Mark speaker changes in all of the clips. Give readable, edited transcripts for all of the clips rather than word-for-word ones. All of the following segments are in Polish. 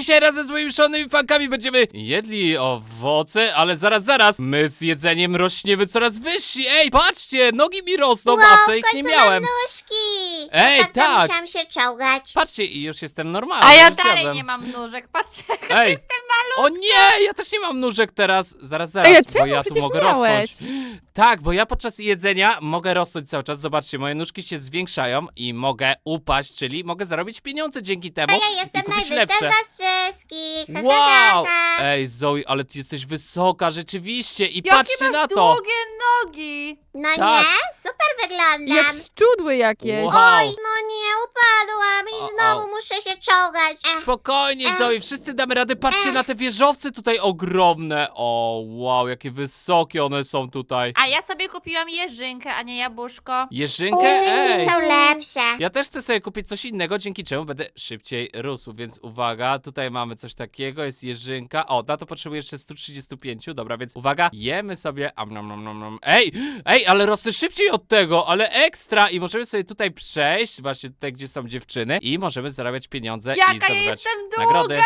Speaker 1: dzisiaj razem z moimi szalonymi fankami będziemy jedli owoce, ale zaraz, my z jedzeniem rośniemy coraz wyżsi. Ej, patrzcie, nogi mi rosną, a wcześniej ich nie miałem.
Speaker 2: nóżki!
Speaker 1: Ej,
Speaker 2: Ostatnio
Speaker 1: tak.
Speaker 2: musiałam się czołgać.
Speaker 1: Patrzcie, i już jestem normalny.
Speaker 3: A ja
Speaker 1: już
Speaker 3: dalej
Speaker 1: zjadłem.
Speaker 3: nie mam nóżek, patrzcie jak
Speaker 1: Ej,
Speaker 3: jestem malutka.
Speaker 1: o nie, ja też nie mam nóżek teraz. Zaraz,
Speaker 3: Ej, a
Speaker 1: bo
Speaker 3: czemu?
Speaker 1: ja tu
Speaker 3: Przecież
Speaker 1: mogę
Speaker 3: miałeś.
Speaker 1: rosnąć. Tak, bo ja podczas jedzenia mogę rosnąć cały czas. Zobaczcie, moje nóżki się zwiększają i mogę upaść, czyli mogę zarobić pieniądze dzięki temu.
Speaker 2: A ja jestem
Speaker 1: i kupić
Speaker 2: najwyższa
Speaker 1: lepsze.
Speaker 2: z was wszystkich. Ha,
Speaker 1: Wow!
Speaker 2: ha, ha.
Speaker 1: Ej, Zoe, ale ty jesteś wysoka, rzeczywiście. I
Speaker 3: Jakie
Speaker 1: patrzcie
Speaker 3: masz
Speaker 1: na to.
Speaker 3: długie nogi.
Speaker 2: No
Speaker 1: Tak.
Speaker 2: nie? Super wyglądam.
Speaker 4: Jak szczudły jakieś.
Speaker 1: Wow.
Speaker 2: Oj, no nie, upadłam
Speaker 1: O,
Speaker 2: i znowu muszę się czołgać.
Speaker 1: Spokojnie, Zoe, wszyscy damy radę. Patrzcie na te wieżowce tutaj ogromne. O, wow, jakie wysokie one są tutaj.
Speaker 3: A ja sobie kupiłam jeżynkę, a nie jabłuszko.
Speaker 1: Jeżynkę?
Speaker 2: Jeżynki
Speaker 1: Ej.
Speaker 2: są lepsze.
Speaker 1: Ja też chcę sobie kupić coś innego, dzięki czemu będę szybciej rósł, więc uwaga, tutaj mamy coś takiego, jest jeżynka. O, na to potrzebuję jeszcze 135, dobra, więc uwaga, jemy sobie. Nom, nom, nom, nom. Ej, ale rosnę szybciej od tego, ale ekstra! I możemy sobie tutaj przejść, właśnie tutaj, gdzie są dziewczyny, i możemy zarabiać pieniądze i
Speaker 3: Jaka ja
Speaker 1: zdobywać
Speaker 3: jestem długa.
Speaker 1: nagrody.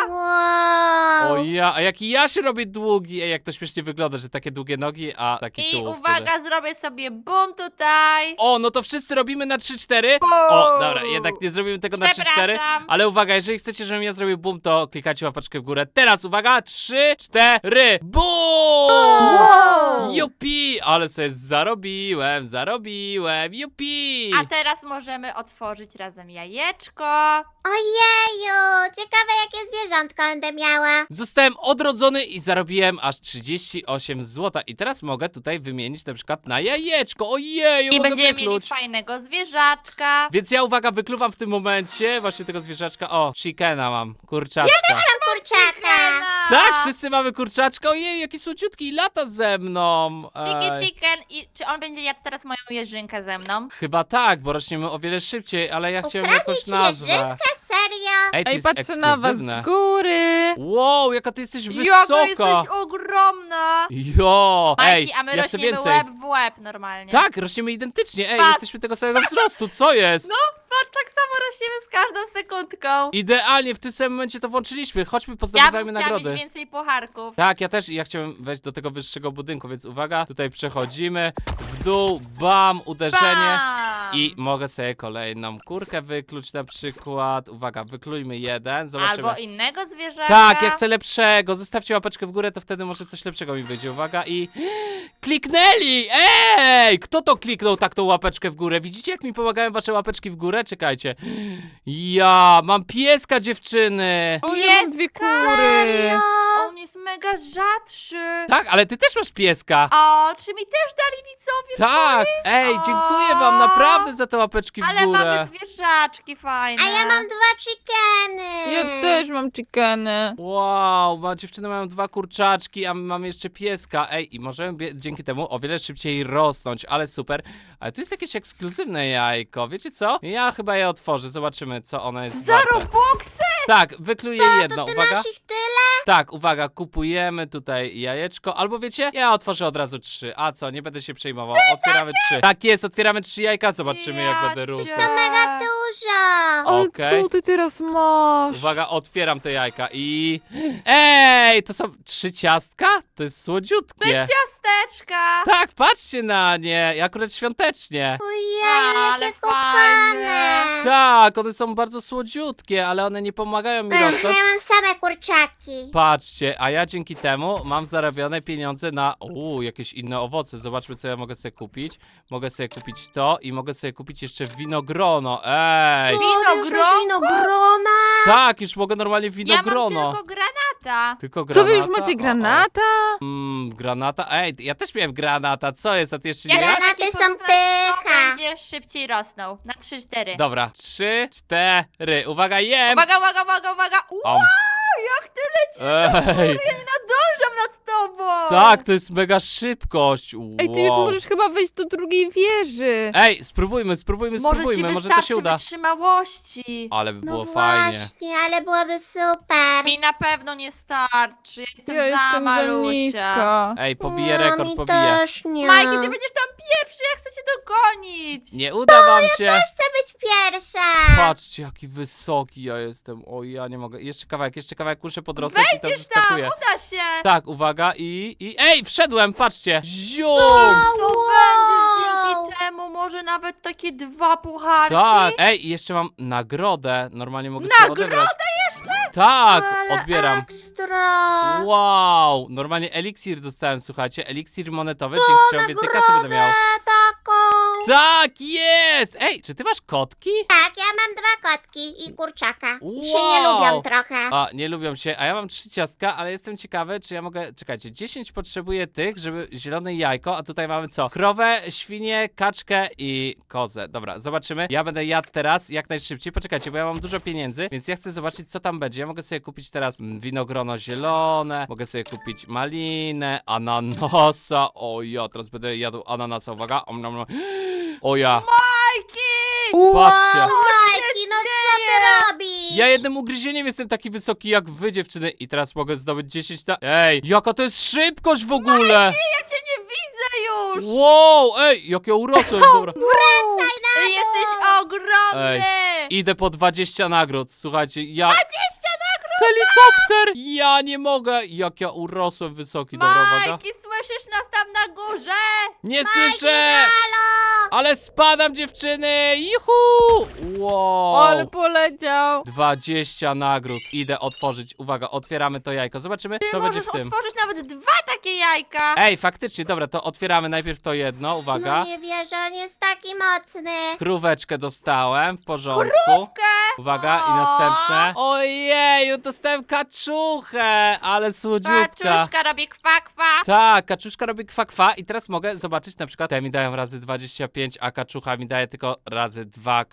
Speaker 2: Wow.
Speaker 1: O ja, a jaki ja się robię długi, ej, jak to śmiesznie wygląda, że takie długie nogi, a taki
Speaker 3: I
Speaker 1: tułów
Speaker 3: uwaga,
Speaker 1: wtedy.
Speaker 3: zrobię sobie bum tutaj.
Speaker 1: O, no to wszyscy robimy na 3-4.
Speaker 3: Bum.
Speaker 1: O, dobra, jednak nie zrobimy tego na 3-4.
Speaker 3: Przepraszam.
Speaker 1: Ale uwaga, jeżeli chcecie, żebym ja zrobił boom, to klikacie łapeczkę w górę. Teraz uwaga, 3, 4, boom!
Speaker 2: Wow.
Speaker 1: Jupi! Ale sobie zarobiłem, jupi!
Speaker 3: A teraz możemy otworzyć razem jajeczko.
Speaker 2: Ojeju, ciekawe jakie zwierzątko będę miała.
Speaker 1: Zostałem odrodzony i zarobiłem aż 38 zł. I teraz mogę tutaj wymienić na przykład na jajeczko. Ojeju,
Speaker 3: I
Speaker 1: mogę
Speaker 3: będziemy mieli
Speaker 1: wykluć.
Speaker 3: fajnego zwierzaczka.
Speaker 1: Więc ja, uwaga, wykluwam w tym momencie właśnie tego zwierzaczka. O, chickena mam, kurczaczka.
Speaker 2: Mam kurczaka.
Speaker 1: Tak, wszyscy mamy kurczaczka. Ojej, jaki słodziutki i lata ze mną. Ej.
Speaker 3: Chicken. I czy on będzie jadł teraz moją jeżynkę ze mną?
Speaker 1: Chyba tak, bo rośniemy o wiele szybciej, ale ja chciałem
Speaker 2: Ukradnij
Speaker 1: jakąś
Speaker 2: ci
Speaker 1: nazwę.
Speaker 2: jeżynkę? Serio?
Speaker 1: Ej, to
Speaker 4: Ej,
Speaker 1: jest
Speaker 4: patrzę na was
Speaker 1: ekskluzywne.
Speaker 4: z góry.
Speaker 1: Wow, jaka ty jesteś
Speaker 3: Jaka
Speaker 1: wysoka.
Speaker 3: jesteś ogromna.
Speaker 1: Jo, ej,
Speaker 3: Majki, a my
Speaker 1: ja chcę
Speaker 3: rośniemy
Speaker 1: więcej.
Speaker 3: łeb w łeb normalnie.
Speaker 1: Tak, rośniemy identycznie. Ej,
Speaker 3: Patrz.
Speaker 1: jesteśmy tego samego wzrostu, co jest?
Speaker 3: No, patrz, tak samo rośniemy z każdą sekundką.
Speaker 1: Idealnie, w tym samym momencie to włączyliśmy. Chodźmy,
Speaker 3: Ja bym
Speaker 1: pozdobywajmy
Speaker 3: chciała
Speaker 1: nagrody.
Speaker 3: mieć więcej pucharków.
Speaker 1: Tak, ja też i ja chciałem wejść do tego wyższego budynku, więc uwaga, tutaj przechodzimy, w dół, bam, uderzenie.
Speaker 3: Bam!
Speaker 1: I mogę sobie kolejną kurkę wykluć na przykład. Uwaga, wyklujmy jeden, zobaczymy.
Speaker 3: Albo innego zwierzęcia.
Speaker 1: Tak, ja chcę lepszego. Zostawcie łapeczkę w górę, to wtedy może coś lepszego mi wyjdzie. Uwaga i... Kliknęli! Ej! Kto to kliknął tak tą łapeczkę w górę? Widzicie, jak mi pomagają wasze łapeczki w górę? Czekajcie. Ja mam pieska, dziewczyny!
Speaker 4: O, ja mam dwie kury.
Speaker 3: On jest mega rzadszy.
Speaker 1: Tak, ale ty też masz pieska.
Speaker 3: O, czy mi też dali widzowie?
Speaker 1: Tak! Ej, dziękuję wam naprawdę za te łapeczki w
Speaker 3: Ale
Speaker 1: górę.
Speaker 3: mamy zwierzaczki fajne.
Speaker 2: A ja mam 2 chickeny.
Speaker 4: Ja też mam chickeny.
Speaker 1: Wow, dziewczyny mają 2 kurczaczki, a my mamy jeszcze pieska. Ej, i możemy dzięki temu o wiele szybciej rosnąć, ale super. Ale tu jest jakieś ekskluzywne jajko, wiecie co? Ja chyba je otworzę, zobaczymy, co ono jest
Speaker 3: Za
Speaker 1: warte.
Speaker 3: Robuxy?
Speaker 1: Tak, wykluję jedno,
Speaker 2: Ty
Speaker 1: uwaga.
Speaker 2: masz ich tyle?
Speaker 1: Tak, uwaga, kupujemy tutaj jajeczko, albo wiecie, ja otworzę od razu 3. A co, nie będę się przejmował, otwieramy 3. Tak jest, otwieramy 3 jajka, zobaczymy jak będę rósł.
Speaker 3: cię.
Speaker 2: To mega dużo.
Speaker 4: Ale
Speaker 1: Okej.
Speaker 4: co ty teraz masz?
Speaker 1: Uwaga, otwieram te jajka i... Ej, to są 3 ciastka? To jest słodziutkie.
Speaker 3: Ciasteczka.
Speaker 1: Tak, patrzcie na nie, akurat świątecznie.
Speaker 2: Ojej,
Speaker 3: Ale
Speaker 2: jakie
Speaker 3: fajne.
Speaker 2: kochane.
Speaker 1: Tak, one są bardzo słodziutkie, ale one nie pomagają mi
Speaker 2: Ech,
Speaker 1: rosnąć.
Speaker 2: ja mam same kurczaki.
Speaker 1: Patrzcie, a ja dzięki temu mam zarobione pieniądze na jakieś inne owoce. Zobaczmy, co ja mogę sobie kupić. Mogę sobie kupić to i mogę sobie kupić jeszcze winogrono. Ej!
Speaker 3: Winogronko?
Speaker 2: Winogrona.
Speaker 1: Tak, już mogę normalnie
Speaker 3: Ja mam
Speaker 1: winogrono.
Speaker 3: tylko granata.
Speaker 1: Tylko
Speaker 4: Co wy już
Speaker 1: granata?
Speaker 4: macie,
Speaker 1: O,
Speaker 4: granata?
Speaker 1: o. Granata? Ej, ja też miałem granata. Co jest, a ty jeszcze nie
Speaker 2: Ja
Speaker 1: miałeś?
Speaker 2: granaty
Speaker 3: taki
Speaker 2: są
Speaker 3: porównać, kto
Speaker 2: pycha.
Speaker 3: będzie szybciej rosnął. Na 3-4.
Speaker 1: Dobra, 3, 4. Uwaga, jem!
Speaker 3: Uwaga, uwaga, uwaga, uwaga.
Speaker 1: Om.
Speaker 3: Jak ty lecisz?
Speaker 1: Ej,
Speaker 3: Ja nie nadążam nad tobą.
Speaker 1: Tak, to jest mega szybkość.
Speaker 4: Ej, ty już
Speaker 1: Wow.
Speaker 4: możesz chyba wejść do drugiej wieży.
Speaker 1: Ej, spróbujmy,
Speaker 3: Może ci
Speaker 1: może to się
Speaker 3: wystarczy
Speaker 1: uda.
Speaker 3: wytrzymałości.
Speaker 1: Ale by
Speaker 2: No
Speaker 1: było fajnie.
Speaker 2: właśnie, ale byłoby super.
Speaker 3: Mi na pewno nie starczy, ja jestem
Speaker 4: Ja
Speaker 3: za
Speaker 4: jestem za
Speaker 3: malusia.
Speaker 4: niska.
Speaker 1: Ej, pobiję
Speaker 2: No,
Speaker 1: rekord,
Speaker 2: mi
Speaker 1: pobiję.
Speaker 2: też nie.
Speaker 3: Majki, ty będziesz tam pierwszy, ja chcę cię dogonić.
Speaker 1: Nie uda wam się.
Speaker 2: Chcę być pierwsza.
Speaker 1: Patrzcie, jaki wysoki ja jestem. O, ja nie mogę. Jeszcze kawałek, muszę podrosnąć i tam
Speaker 3: Wejdziesz tam,
Speaker 1: zeskakuję.
Speaker 3: uda się.
Speaker 1: Tak, uwaga i... Ej, wszedłem, patrzcie. Zium!
Speaker 3: Co będzie dzięki temu? Może nawet takie 2 pucharki?
Speaker 1: Tak, ej, i jeszcze mam nagrodę. Normalnie mogę sobie
Speaker 3: Nagrodę
Speaker 1: odebrać. Tak,
Speaker 2: Ale
Speaker 1: odbieram.
Speaker 2: Ekstra.
Speaker 1: Wow, normalnie eliksir dostałem, słuchajcie, eliksir monetowy, dzięki czemu więcej kasy będę miał.
Speaker 2: Taką.
Speaker 1: Tak, jest! Ej, czy ty masz kotki?
Speaker 2: Tak, ja mam 2 kotki i kurczaka. I się nie
Speaker 1: Wow.
Speaker 2: lubią trochę.
Speaker 1: A, nie lubią się, a ja mam 3 ciastka, ale jestem ciekawy, czy ja mogę... Czekajcie, 10 potrzebuję tych, żeby zielone jajko, a tutaj mamy co? Krowę, świnię, kaczkę i kozę. Dobra, zobaczymy. Ja będę jadł teraz jak najszybciej. Poczekajcie, bo ja mam dużo pieniędzy, więc ja chcę zobaczyć, co tam będzie. Ja mogę sobie kupić teraz winogrono zielone, mogę sobie kupić malinę, ananasa. O ja, teraz będę jadł ananasa, uwaga. Om, nom, nom. O ja,
Speaker 3: Majki!
Speaker 1: patrzcie.
Speaker 2: Majki, no co ty robisz?
Speaker 1: Ja jednym ugryzieniem jestem taki wysoki jak wy, dziewczyny, i teraz mogę zdobyć 10 na... Ej, jaka to jest szybkość w ogóle!
Speaker 3: Ja cię nie widzę już!
Speaker 1: Wow, ej, jak ja urosłem, dobra.
Speaker 2: Wracaj na
Speaker 3: Ty
Speaker 2: dół.
Speaker 3: jesteś ogromny!
Speaker 1: Idę po 20 nagród, słuchajcie, ja... 20 nagród! Helikopter! Ja nie mogę, jak ja urosłem wysoki, dobra, uwaga.
Speaker 3: Majki, słyszysz nas tam na górze?
Speaker 1: Nie słyszę!
Speaker 2: Halo.
Speaker 1: Ale spadam, dziewczyny! Juhu! Wow!
Speaker 4: Ale poleciał.
Speaker 1: 20 nagród. Idę otworzyć. Uwaga, otwieramy to jajko. Zobaczymy,
Speaker 3: Ty
Speaker 1: co będzie
Speaker 3: możesz
Speaker 1: w tym.
Speaker 3: otworzyć nawet 2 takie jajka!
Speaker 1: Ej, faktycznie, dobra, to otwieramy najpierw to jedno, uwaga.
Speaker 2: No nie wierzę, on jest taki mocny.
Speaker 1: Króweczkę dostałem, w porządku. Uwaga, i
Speaker 3: O!
Speaker 1: następne. Ojeju, dostałem kaczuchę, ale słodziutka.
Speaker 3: Paczuszka robi kwa kwa.
Speaker 1: Tak, kaczuszka robi kwa i teraz mogę zobaczyć na przykład, te mi dają razy 25, a kaczucha mi daje tylko razy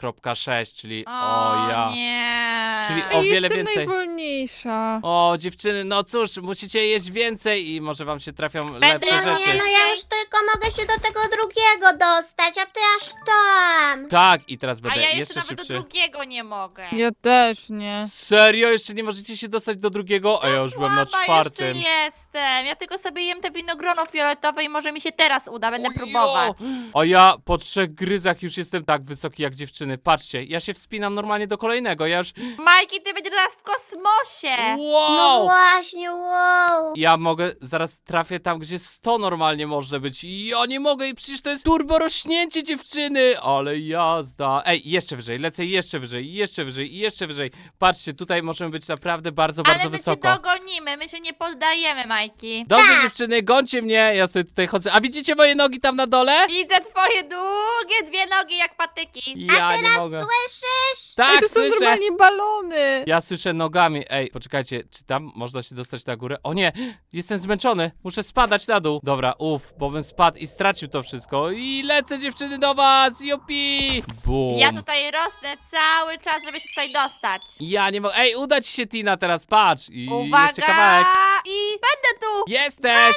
Speaker 1: 2,6, czyli o ja.
Speaker 3: Nie.
Speaker 1: Czyli o
Speaker 4: Ej,
Speaker 1: wiele
Speaker 4: jestem
Speaker 1: więcej.
Speaker 4: najwolniejsza.
Speaker 1: O, dziewczyny, no cóż, musicie jeść więcej i może wam się trafią
Speaker 3: Będę
Speaker 1: lepsze
Speaker 3: miała
Speaker 1: rzeczy.
Speaker 2: Nie, no ja już tylko mogę się do tego drugiego dostać, a ty aż tam.
Speaker 1: Tak, i teraz
Speaker 3: A
Speaker 1: będę
Speaker 3: ja jeszcze
Speaker 1: jeszcze
Speaker 3: nawet do
Speaker 1: szybszy.
Speaker 3: drugiego nie mogę.
Speaker 4: Ja też nie.
Speaker 1: Serio? Jeszcze nie możecie się dostać do drugiego? A ja już byłem na
Speaker 3: Słaba
Speaker 1: czwartym.
Speaker 3: jeszcze jestem. Ja tylko sobie jem te winogrono fioletowe i może mi się teraz uda, będę
Speaker 1: Ojo!
Speaker 3: próbować.
Speaker 1: A ja po 3 gryzach już jestem tak wysoki jak dziewczyny. Patrzcie, ja się wspinam normalnie do kolejnego. Ja już...
Speaker 3: Majki, ty będziesz teraz w kosmosie.
Speaker 2: No
Speaker 1: Wow!
Speaker 2: właśnie, wow.
Speaker 1: Ja mogę, zaraz trafię tam, gdzie 100 normalnie może być. Ja nie mogę i przecież to jest turbo rośnięcie, dziewczyny. Ale jazda. Ej, jeszcze wyżej, lecę jeszcze wyżej, jeszcze wyżej i jeszcze wyżej. Patrzcie, tutaj możemy być naprawdę bardzo, bardzo
Speaker 3: Ale my
Speaker 1: wysoko.
Speaker 3: cię dogonimy, my się nie poddajemy, Majki.
Speaker 1: Dobrze, dziewczyny, gońcie mnie, ja sobie tutaj chodzę. A widzicie moje nogi tam na dole?
Speaker 3: Widzę twoje długie 2 nogi jak patyki.
Speaker 1: Ja nie mogę.
Speaker 2: Słyszysz?
Speaker 1: Tak,
Speaker 4: Ej, to są
Speaker 1: słyszę.
Speaker 4: normalnie balony.
Speaker 1: Ja słyszę nogami. Ej, poczekajcie, czy tam można się dostać na górę? O nie, jestem zmęczony. Muszę spadać na dół. Dobra, bo bym spadł i stracił to wszystko. I lecę, dziewczyny, do was. Jupi! Bum.
Speaker 3: Ja tutaj rosnę cały czas, żeby się tutaj dostać.
Speaker 1: Ja nie mogę. Ej, uda ci się, Tina, teraz patrz. I
Speaker 3: Uwaga!
Speaker 1: jeszcze kawałek.
Speaker 3: I będę tu!
Speaker 1: Jesteś!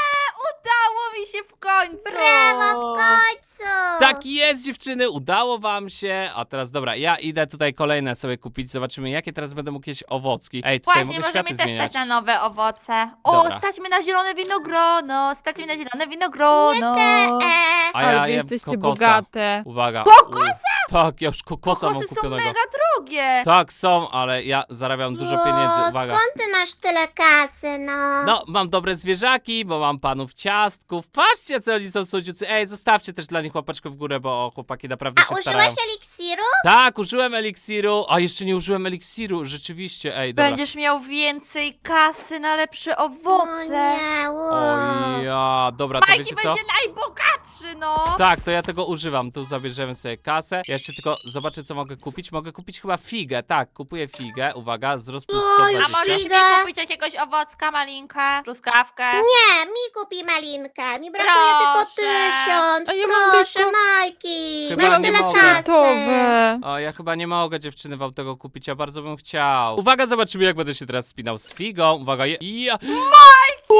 Speaker 3: Udało mi się w końcu!
Speaker 2: Brawo, w końcu.
Speaker 1: Tak jest, dziewczyny, udało wam się. A teraz, dobra, ja idę tutaj kolejne sobie kupić. Zobaczymy, jakie teraz będę mógł jeść owocki. Ej, tutaj
Speaker 3: Właśnie,
Speaker 1: mogę światy
Speaker 3: możemy też
Speaker 1: zmieniać.
Speaker 3: stać na nowe owoce. O,
Speaker 1: Dobra.
Speaker 3: stać mi na zielone winogrono! Stać mi na zielone winogrono!
Speaker 1: A
Speaker 4: Ale
Speaker 1: ja
Speaker 4: wy
Speaker 1: jem
Speaker 4: jesteście
Speaker 1: kokosa.
Speaker 4: bogate.
Speaker 1: Uwaga.
Speaker 3: Kokosa?
Speaker 1: Tak, ja już kokosa mam
Speaker 3: Kokosy są
Speaker 1: kupionego.
Speaker 3: mega drogie!
Speaker 1: Tak, są, ale ja zarabiam dużo pieniędzy, uwaga.
Speaker 2: Skąd ty masz tyle kasy, no?
Speaker 1: No, mam dobre zwierzaki, bo mam panów ciastków. Patrzcie, co oni są słodziucy. Ej, zostawcie też dla nich łapeczkę w górę, bo chłopaki naprawdę
Speaker 2: A
Speaker 1: się starają.
Speaker 2: użyłeś eliksiru?
Speaker 1: Tak, użyłem eliksiru. A, jeszcze nie użyłem eliksiru, rzeczywiście, ej, dobra.
Speaker 3: Będziesz miał więcej kasy na lepsze
Speaker 2: O
Speaker 3: owoce!
Speaker 2: nie,
Speaker 1: O
Speaker 2: wow.
Speaker 1: ja, dobra, to
Speaker 3: Majki
Speaker 1: wiecie co?
Speaker 3: będzie najbogatszy, no!
Speaker 1: Tak, to ja tego używam. Tu zabierzemy sobie kasę. Ja jeszcze tylko zobaczę, co mogę kupić. Mogę kupić chyba figę. Tak, kupuję figę. Uwaga, wzrost plus
Speaker 2: Oj,
Speaker 3: A
Speaker 1: 120.
Speaker 3: możesz
Speaker 2: Figa.
Speaker 3: mi kupić jakiegoś owocka, malinkę, truskawkę?
Speaker 2: Nie, mi kupi malinkę. Mi brakuje tylko
Speaker 3: Proszę.
Speaker 2: 1000.
Speaker 4: A ja mam
Speaker 2: Proszę,
Speaker 4: tylko-
Speaker 2: Majki.
Speaker 1: Chyba
Speaker 2: Mam
Speaker 1: nie
Speaker 2: tyle
Speaker 1: mogę.
Speaker 2: kasy.
Speaker 4: Gotowe.
Speaker 1: O, ja chyba nie mogę, dziewczyny, wam tego kupić, ja bardzo bym chciał. Uwaga, zobaczymy, jak będę się teraz spinał z figą. Uwaga, ja...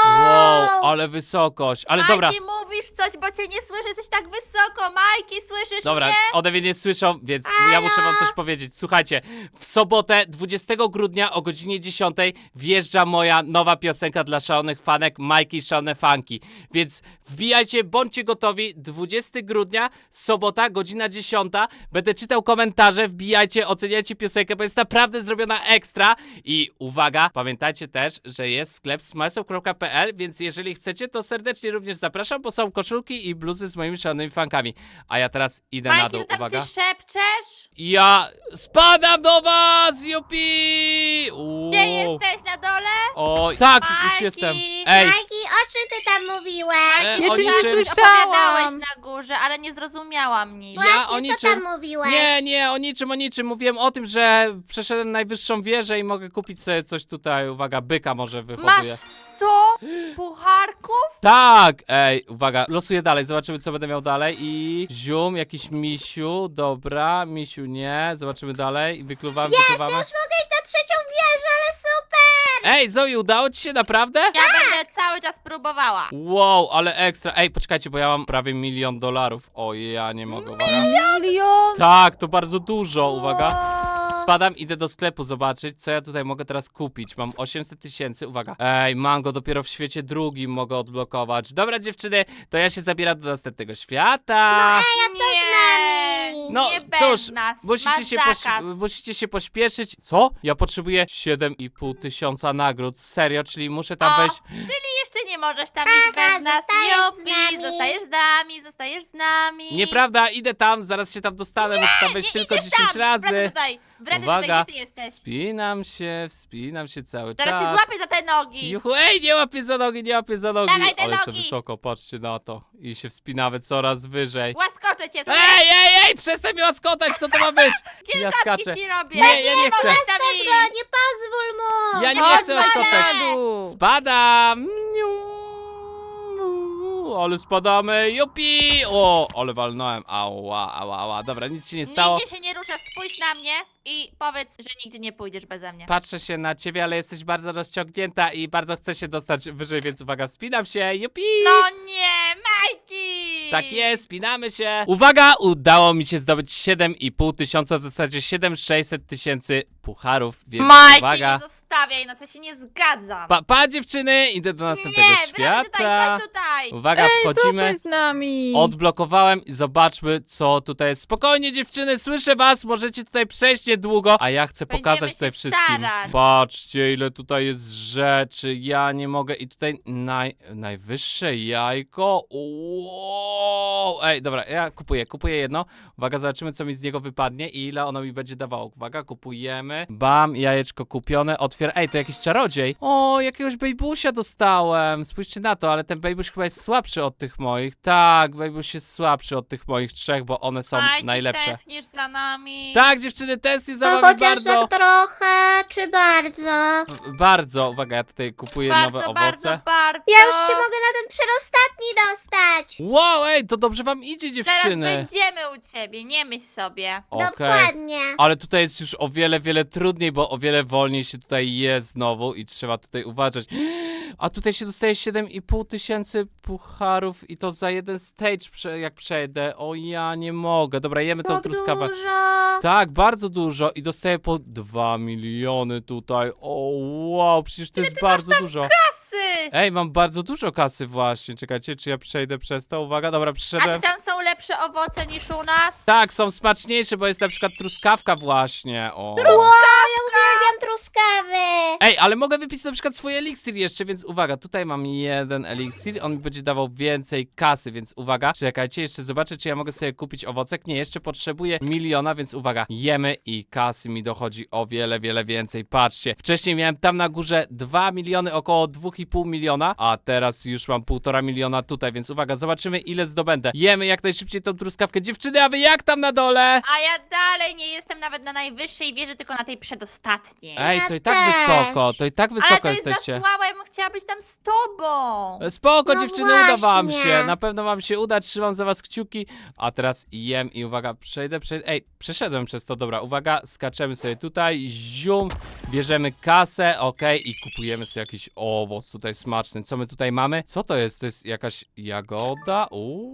Speaker 1: Wow, ale wysokość. Ale dobra.
Speaker 3: Majki, mówisz coś, bo cię nie słyszę, jesteś tak wysoko. Majki, słyszysz
Speaker 1: Dobra,
Speaker 3: mnie?
Speaker 1: one mnie nie słyszą, więc ja muszę wam coś powiedzieć. Słuchajcie, w sobotę 20 grudnia o godzinie 10 wjeżdża moja nowa piosenka dla szalonych fanek Majki Szalone Fanki. Więc wbijajcie, bądźcie gotowi. 20 grudnia, sobota, godzina 10. Będę czytał komentarze, wbijajcie, oceniajcie piosenkę, bo jest naprawdę zrobiona ekstra. I uwaga, pamiętajcie też, że jest sklep smysl.pl, więc jeżeli chcecie, to serdecznie również zapraszam, bo są koszulki i bluzy z moimi szalonymi fankami. A ja teraz idę na
Speaker 3: Majki,
Speaker 1: dół,
Speaker 3: to tak
Speaker 1: uwaga.
Speaker 3: ty szepczesz?
Speaker 1: Ja spadam do was, jupi! Uuu.
Speaker 3: Gdzie jesteś, na dole?
Speaker 1: Oj, tak, już
Speaker 3: Majki!
Speaker 1: jestem. Ej,
Speaker 2: Majki, o czym ty tam mówiłeś?
Speaker 4: Ja
Speaker 1: o
Speaker 4: cię nie
Speaker 1: niczym.
Speaker 4: słyszałam.
Speaker 3: Opowiadałeś na górze, ale nie zrozumiałam nic.
Speaker 1: Ja o
Speaker 2: Właśnie, co
Speaker 1: niczym.
Speaker 2: tam mówiłeś?
Speaker 1: Nie, o niczym. Mówiłem o tym, że przeszedłem najwyższą wieżę i mogę kupić sobie coś tutaj. Uwaga, byka może
Speaker 3: Masz
Speaker 1: wyhoduje.
Speaker 3: 100 pucharków?
Speaker 1: Tak! Ej, uwaga, losuję dalej, zobaczymy co będę miał dalej i... Zium, jakiś misiu, dobra, misiu nie, zobaczymy dalej i wykluwamy.
Speaker 2: Już mogę iść na trzecią wieżę, ale super!
Speaker 1: Ej, Zoe, udało ci się naprawdę?
Speaker 3: Ja będę cały czas próbowała.
Speaker 1: Wow, ale ekstra. Ej, poczekajcie, bo ja mam prawie $1 milion. O, ja nie mogę, uwaga.
Speaker 4: Milion.
Speaker 1: Tak, to bardzo dużo, uwaga. Spadam, idę do sklepu zobaczyć, co ja tutaj mogę teraz kupić. Mam 800 000, uwaga. Ej, mango dopiero w świecie drugim mogę odblokować. Dobra, dziewczyny, to ja się zabieram do następnego świata.
Speaker 3: Nie,
Speaker 1: No,
Speaker 3: nie
Speaker 1: cóż,
Speaker 3: bez nas.
Speaker 1: Musicie,
Speaker 3: Masz zakaz.
Speaker 1: musicie się pośpieszyć. Co? Ja potrzebuję 7,5 tysiąca nagród. Serio, czyli muszę tam
Speaker 3: O,
Speaker 1: wejść.
Speaker 3: Czyli jeszcze nie możesz tam
Speaker 2: Aha,
Speaker 3: iść bez nas.
Speaker 2: zostajesz z
Speaker 3: Jupi,
Speaker 2: nami.
Speaker 3: zostajesz z nami.
Speaker 1: Nieprawda, idę tam, zaraz się tam dostanę. Muszę tam wejść
Speaker 3: Nie
Speaker 1: tylko
Speaker 3: idziesz
Speaker 1: 10
Speaker 3: tam.
Speaker 1: razy.
Speaker 3: Wracaj
Speaker 1: Uwaga.
Speaker 3: tutaj, gdzie ty jesteś?
Speaker 1: Wspinam się cały
Speaker 3: Teraz
Speaker 1: czas.
Speaker 3: się złapię za te nogi.
Speaker 1: Juhu, ej, nie łapię za nogi.
Speaker 3: Dawaj te
Speaker 1: Ale jestem
Speaker 3: nogi.
Speaker 1: wysoko, patrzcie na to. I się wspinamy coraz wyżej.
Speaker 3: Łaskoczę cię.
Speaker 1: Ej, przestań mnie łaskotać, co to ma być? Ja skaczę.
Speaker 3: Kilkatki ci robię.
Speaker 1: Nie, ja nie chcę.
Speaker 3: możesz tam
Speaker 2: Chodź
Speaker 3: iść.
Speaker 2: go, nie pozwól mu!
Speaker 1: Ja nie
Speaker 3: Chodź,
Speaker 1: chcę łaskotać.
Speaker 4: Na dół.
Speaker 1: Spadam. Ale spadamy, jupi! O, ale walnąłem. Ała. Dobra, nic się nie stało.
Speaker 3: Nigdzie się nie ruszasz, spójrz na mnie i powiedz, że nigdzie nie pójdziesz beze mnie.
Speaker 1: Patrzę się na ciebie, ale jesteś bardzo rozciągnięta i bardzo chcę się dostać wyżej, więc uwaga, wspinam się, jupi!
Speaker 3: No nie, Majki!
Speaker 1: Tak jest, spinamy się. Uwaga, udało mi się zdobyć 7,5 tysiąca, w zasadzie 7,6 tysięcy pucharów, więc
Speaker 3: Majki,
Speaker 1: uwaga.
Speaker 3: nie zostawiaj, na co się nie zgadzam.
Speaker 1: Pa, dziewczyny, idę do następnego
Speaker 3: nie,
Speaker 1: świata.
Speaker 3: wracaj tutaj, chodź tutaj.
Speaker 1: Uwaga,
Speaker 4: Ej,
Speaker 1: wchodzimy.
Speaker 4: zostań z nami.
Speaker 1: Odblokowałem i zobaczmy, co tutaj jest. Spokojnie, dziewczyny, słyszę was, możecie tutaj przejść niedługo, a ja chcę
Speaker 3: Będziemy
Speaker 1: pokazać
Speaker 3: się
Speaker 1: tutaj wszystkim.
Speaker 3: starać.
Speaker 1: Patrzcie, ile tutaj jest rzeczy, ja nie mogę. I tutaj najwyższe jajko. Wow. Ej, dobra, ja kupuję jedno. Uwaga, zobaczymy, co mi z niego wypadnie i ile ono mi będzie dawało. Uwaga, kupujemy. Bam, jajeczko kupione, Ej, to jakiś czarodziej. O, jakiegoś bejbusia dostałem. Spójrzcie na to, ale ten bejbuś chyba jest słabszy od tych moich. Tak, bejbuś jest słabszy od tych moich trzech, bo one są
Speaker 3: Majki,
Speaker 1: najlepsze.
Speaker 3: tęsknisz za nami.
Speaker 1: Tak, dziewczyny, tęsknię za
Speaker 2: No
Speaker 1: wami
Speaker 2: chociaż
Speaker 1: bardzo.
Speaker 2: tak trochę, czy bardzo?
Speaker 1: Bardzo, uwaga, ja tutaj kupuję nowe
Speaker 3: Bardzo,
Speaker 1: owoce.
Speaker 3: bardzo.
Speaker 2: Ja już się mogę na ten przedostatni dostać!
Speaker 1: Wow, ej, to dobrze wam idzie,
Speaker 3: Zaraz
Speaker 1: dziewczyny.
Speaker 3: będziemy u ciebie, nie myśl sobie.
Speaker 1: Okej.
Speaker 2: Dokładnie.
Speaker 1: Ale tutaj jest już o wiele trudniej, bo o wiele wolniej się tutaj je znowu i trzeba tutaj uważać. A tutaj się dostaje 7,5 tysięcy pucharów i to za jeden stage, jak przejdę. O, ja nie mogę. Dobra, jemy tą
Speaker 2: Tak
Speaker 1: truskawę.
Speaker 2: dużo.
Speaker 1: Tak, bardzo dużo i dostaję po 2 miliony tutaj. O, wow, przecież to jest bardzo dużo.
Speaker 3: Kasy!
Speaker 1: Ej, mam bardzo dużo kasy właśnie. Czekajcie, czy ja przejdę przez to? Uwaga, dobra,
Speaker 3: A
Speaker 1: przyszedłem.
Speaker 3: czy tam są lepsze owoce niż u nas?
Speaker 1: Tak, są smaczniejsze, bo jest na przykład truskawka właśnie. O.
Speaker 2: Wow, ja uwielbiam truskawy!
Speaker 1: Ej, ale mogę wypić na przykład swój eliksir jeszcze, więc uwaga, tutaj mam jeden eliksir, on mi będzie dawał więcej kasy, więc uwaga, czekajcie, jeszcze zobaczę, czy ja mogę sobie kupić owocek. Nie, jeszcze potrzebuję 1 miliona, więc uwaga, jemy i kasy mi dochodzi o wiele więcej. Patrzcie, wcześniej miałem tam na górze 2 miliony, około 2,5 miliona, a teraz już mam 1,5 miliona tutaj, więc uwaga, zobaczymy, ile zdobędę. Jemy jak najszybciej tą truskawkę. Dziewczyny, a wy jak tam na dole?
Speaker 3: A ja dalej nie jestem nawet na najwyższej wieży, tylko na tej przedostatniej.
Speaker 1: Ej,
Speaker 2: Ja
Speaker 1: to i tak
Speaker 2: też.
Speaker 1: wysoko, to i tak
Speaker 3: Ale
Speaker 1: wysoko
Speaker 3: to jest
Speaker 1: jesteście.
Speaker 3: za słabe, ja bym chciała być tam z tobą.
Speaker 1: Spoko,
Speaker 2: No
Speaker 1: dziewczyny, uda wam
Speaker 2: właśnie.
Speaker 1: się. Na pewno wam się uda, trzymam za was kciuki. A teraz jem i uwaga, przejdę. Ej, przeszedłem przez to, dobra, uwaga, skaczemy sobie tutaj, zium, bierzemy kasę, okej, i kupujemy sobie jakiś owoc tutaj smaczny. Co my tutaj mamy? Co to jest? To jest jakaś jagoda?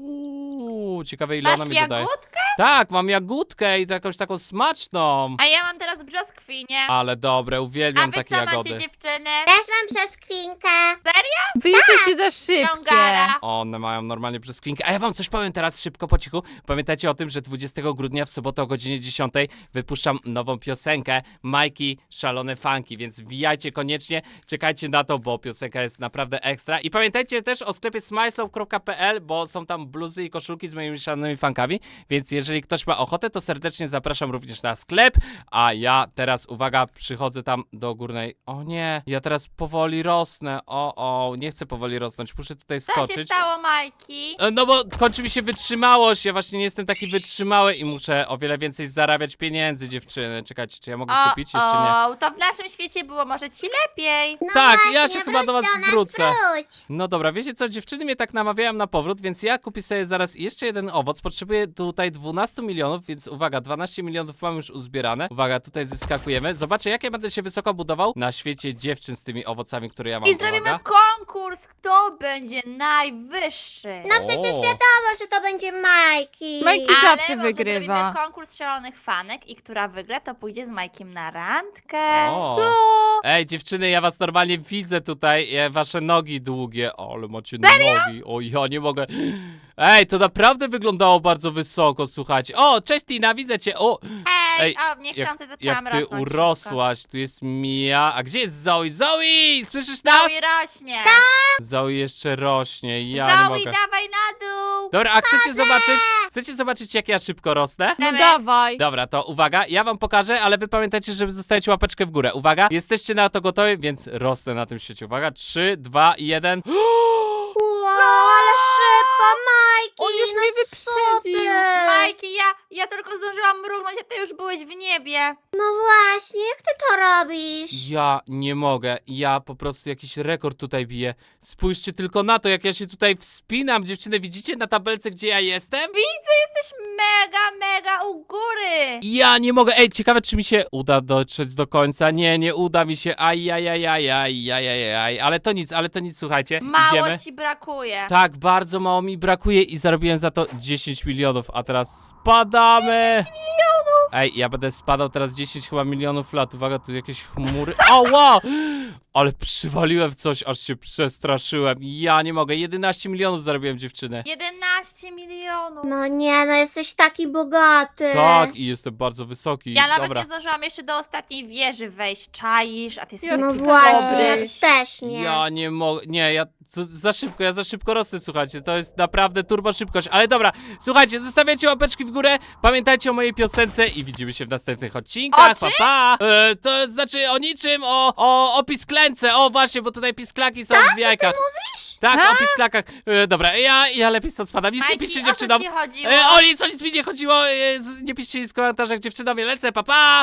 Speaker 1: Ciekawe ile ona
Speaker 3: Masz
Speaker 1: mi dodaje.
Speaker 3: jagódkę?
Speaker 1: Tak, mam jagódkę i to jakąś taką smaczną.
Speaker 3: A ja mam teraz brzoskwinię.
Speaker 1: Ale dobre,
Speaker 3: A
Speaker 1: uwielbiam
Speaker 3: wy
Speaker 1: takie
Speaker 3: co
Speaker 1: jagody.
Speaker 3: macie, dziewczyny?
Speaker 2: Też mam brzoskwinkę.
Speaker 4: Wy jesteście za szybkie.
Speaker 3: Ciągara.
Speaker 1: One mają normalnie brzoskwinkę. A ja wam coś powiem teraz szybko, po cichu. Pamiętajcie o tym, że 20 grudnia w sobotę o godzinie 10 wypuszczam nową piosenkę Majki Szalone Funky, więc wbijajcie koniecznie, czekajcie na to, bo piosenka jest naprawdę ekstra. I pamiętajcie też o sklepie smyslow.pl, bo są tam bluzy i koszulki z moimi szalonymi funkami, więc jeżeli ktoś ma ochotę, to serdecznie zapraszam również na sklep, a ja teraz, uwaga, przychodzę tam do górnej. O nie, ja teraz powoli rosnę. Nie chcę powoli rosnąć, muszę tutaj
Speaker 3: Co się
Speaker 1: skoczyć.
Speaker 3: stało, Majki?
Speaker 1: No bo kończy mi się wytrzymałość, ja właśnie nie jestem taki wytrzymały i muszę o wiele więcej zarabiać pieniędzy, dziewczyny. Czekajcie, czy ja mogę kupić? Jeszcze nie.
Speaker 3: To w naszym świecie było może ci lepiej.
Speaker 2: No
Speaker 1: Tak,
Speaker 2: właśnie,
Speaker 1: ja się chyba do was
Speaker 2: wróć nas,
Speaker 1: wrócę.
Speaker 2: Wróć.
Speaker 1: No dobra, wiecie co, dziewczyny mnie tak namawiają na powrót, więc ja kupię sobie zaraz jeszcze jeden owoc. Potrzebuję tutaj 12 milionów, więc uwaga, 12 milionów mam już uzbierane. Uwaga, tutaj zyskakujemy. Zobaczę, jak ja będę się wysoko budował na świecie dziewczyn z tymi owocami, które ja mam.
Speaker 3: I zrobimy
Speaker 1: Uwaga.
Speaker 3: konkurs, kto będzie najwyższy.
Speaker 2: No przecież wiadomo, że to będzie Majki.
Speaker 4: Majki
Speaker 3: Ale
Speaker 4: zawsze
Speaker 3: może
Speaker 4: wygrywa.
Speaker 3: zrobimy konkurs szalonych fanek i która wygra, to pójdzie z Majkiem na randkę.
Speaker 1: O.
Speaker 4: Co?
Speaker 1: Ej, dziewczyny, ja was normalnie widzę tutaj, wasze nogi długie. O, ale macie nogi. O, ja nie mogę. Ej, to naprawdę wyglądało bardzo wysoko, słuchajcie. O, cześć Tina, widzę cię. O,
Speaker 3: Ej,
Speaker 1: Ej,
Speaker 3: o, niechcący zaczęłam
Speaker 1: jak ty
Speaker 3: rosnąć.
Speaker 1: urosłaś. Tu jest Mia. A gdzie jest Zoe? Zoe! Słyszysz nas?
Speaker 3: Zoe rośnie.
Speaker 1: Zoe jeszcze rośnie, ja nie
Speaker 3: Zoe,
Speaker 1: mogę.
Speaker 3: dawaj na dół.
Speaker 1: Dobra, a chcecie zobaczyć jak ja szybko rosnę?
Speaker 4: No
Speaker 3: Dawaj.
Speaker 4: dawaj.
Speaker 1: Dobra, to uwaga, ja wam pokażę, ale wy pamiętajcie, żeby zostawić łapeczkę w górę. Uwaga, jesteście na to gotowi, więc rosnę na tym świecie. Uwaga, 3, 2, 1.
Speaker 2: Wow, ale szybko, Majki.
Speaker 4: On już
Speaker 2: no
Speaker 4: mnie
Speaker 2: co ty?
Speaker 4: wyprzedził.
Speaker 3: Majki, ja tylko zdążyłam mrugnąć, a ty już byłeś w niebie.
Speaker 2: No właśnie, jak ty to robisz?
Speaker 1: Ja nie mogę, ja po prostu jakiś rekord tutaj biję. Spójrzcie tylko na to, jak ja się tutaj wspinam, dziewczyny, widzicie na tabelce, gdzie ja jestem?
Speaker 3: Widzę, jesteś mega u góry.
Speaker 1: Ja nie mogę, ej, ciekawe, czy mi się uda dotrzeć do końca. Nie uda mi się, aj, ale to nic, słuchajcie,
Speaker 3: Mało
Speaker 1: idziemy.
Speaker 3: ci brakuje.
Speaker 1: Tak, bardzo mało mi brakuje i zarobiłem za to 10 milionów, a teraz spadamy. 10 milionów! Ej, ja będę spadał teraz 10 chyba milionów lat. Uwaga, tu jakieś chmury. Ała! Ale przywaliłem w coś, aż się przestraszyłem. Ja nie mogę, 11 milionów zarobiłem, dziewczyny.
Speaker 3: 11 milionów.
Speaker 2: No nie, no jesteś taki bogaty.
Speaker 1: Tak, i jestem bardzo wysoki.
Speaker 3: Ja nawet
Speaker 1: Dobra.
Speaker 3: nie zdążyłam jeszcze do ostatniej wieży wejść. Czaisz, a ty jesteś
Speaker 4: Ja
Speaker 2: No
Speaker 3: taki
Speaker 2: właśnie, ja
Speaker 3: dobry.
Speaker 2: też nie.
Speaker 1: Ja nie mogę, nie, ja za szybko rosnę, słuchajcie, to jest naprawdę turbo szybkość, ale dobra, słuchajcie, zostawiajcie łapeczki w górę, pamiętajcie o mojej piosence i widzimy się w następnych odcinkach,
Speaker 3: O czym?
Speaker 1: pa! To znaczy o niczym, o pisklęce, o właśnie, bo tutaj pisklaki są w jajkach. Tak,
Speaker 4: A?
Speaker 1: o pisklakach, dobra, ja lepiej stąd spadam, nic nie
Speaker 3: Majki,
Speaker 1: piszcie
Speaker 3: o co
Speaker 1: dziewczynom,
Speaker 3: ci chodziło?
Speaker 1: o nic mi nie chodziło, nie piszcie nic w komentarzach dziewczynom, ja lecę, pa!